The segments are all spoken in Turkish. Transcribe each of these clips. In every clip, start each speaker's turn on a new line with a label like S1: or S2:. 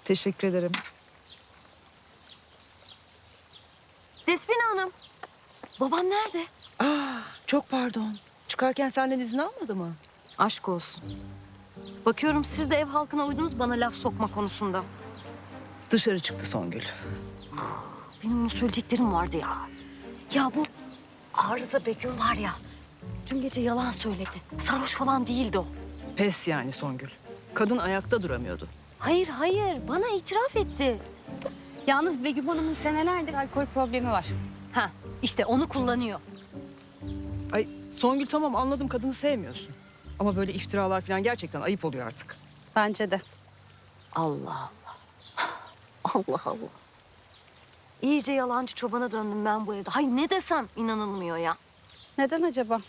S1: Teşekkür ederim.
S2: Despina Hanım. Babam nerede?
S1: Çok pardon. Çıkarken senden izin almadı mı?
S2: Aşk olsun. Bakıyorum siz de ev halkına uydunuz bana laf sokma konusunda.
S1: Dışarı çıktı Songül.
S2: Benim onu söyleyeceklerim vardı ya. Ya bu Arıza Begüm var ya. Dün gece yalan söyledi. Sarhoş falan değildi o.
S1: Pes yani Songül. Kadın ayakta duramıyordu.
S2: Hayır. Bana itiraf etti.
S3: Yalnız Begüm Hanım'ın senelerdir alkol problemi var.
S2: Ha, işte onu kullanıyor.
S1: Ay Songül tamam anladım kadını sevmiyorsun. Ama böyle iftiralar falan gerçekten ayıp oluyor artık.
S3: Bence de.
S2: Allah Allah. Allah Allah. İyice yalancı çobana döndüm ben bu evde. Hay ne desem inanılmıyor ya.
S3: Neden acaba?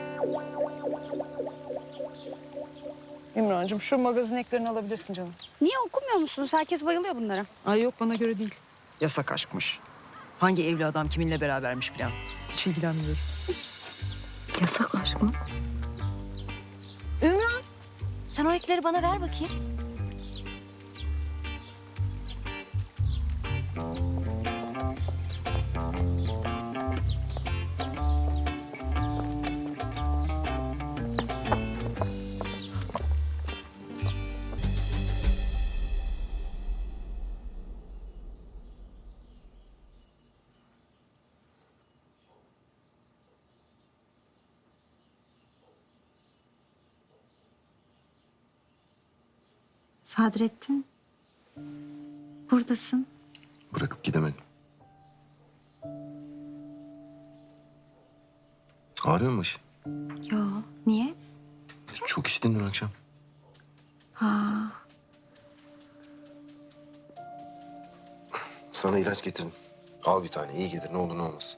S1: İmrancığım şu magazin eklerini alabilirsin canım.
S3: Niye okumuyor musunuz? Herkes bayılıyor bunlara.
S1: Ay yok bana göre değil. Yasak aşkmış. Hangi evli adam kiminle berabermiş falan. Hiç ilgilenmiyorum.
S2: Yasak aşk mı? Ümran, sen o ekleri bana ver bakayım.
S4: Sadrettin, buradasın.
S5: Bırakıp gidemedim. Ağrıyor mu başın?
S4: Yo, niye?
S5: Çok içtin dün akşam.
S4: Ha,
S5: Sana ilaç getirdim. Al bir tane iyi gelir ne olur ne olmaz.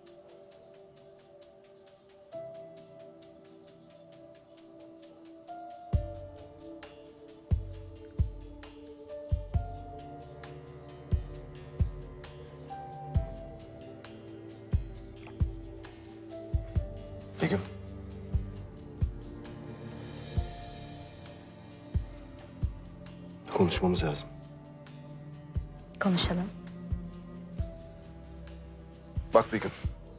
S5: Begüm. Konuşmamız lazım.
S4: konuşalım.
S5: Bak Begüm.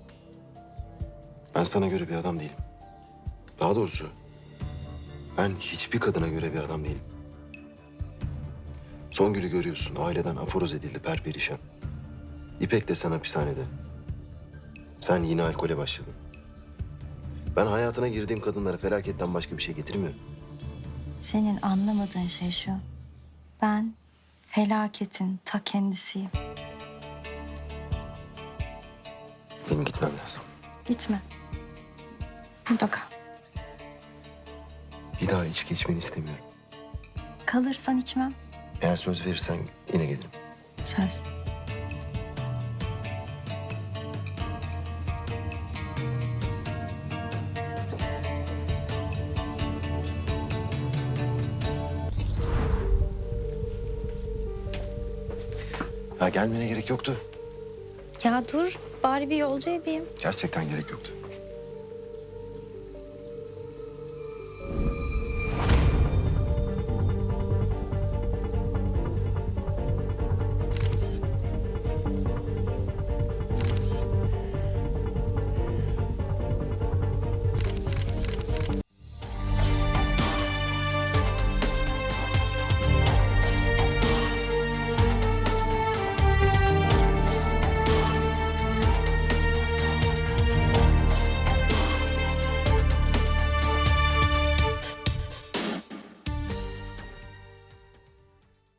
S5: Ben sana göre bir adam değilim. Daha doğrusu ben hiçbir kadına göre bir adam değilim. Songül'ü görüyorsun. Aileden aforoz edildi perperişan. İpek de sen hapishanede. Sen yine alkole başladın. Ben hayatına girdiğim kadınlara felaketten başka bir şey getirmiyorum.
S4: Senin anlamadığın şey şu. Ben felaketin ta kendisiyim.
S5: Benim gitmem lazım.
S4: Gitme. Burada kal.
S5: Bir daha içki içmeni istemiyorum.
S4: Kalırsan içmem.
S5: Eğer söz verirsen yine gelirim.
S4: Söz.
S5: Ha gelmene gerek yoktu.
S4: Ya dur, bari bir yolcu edeyim.
S5: Gerçekten gerek yoktu.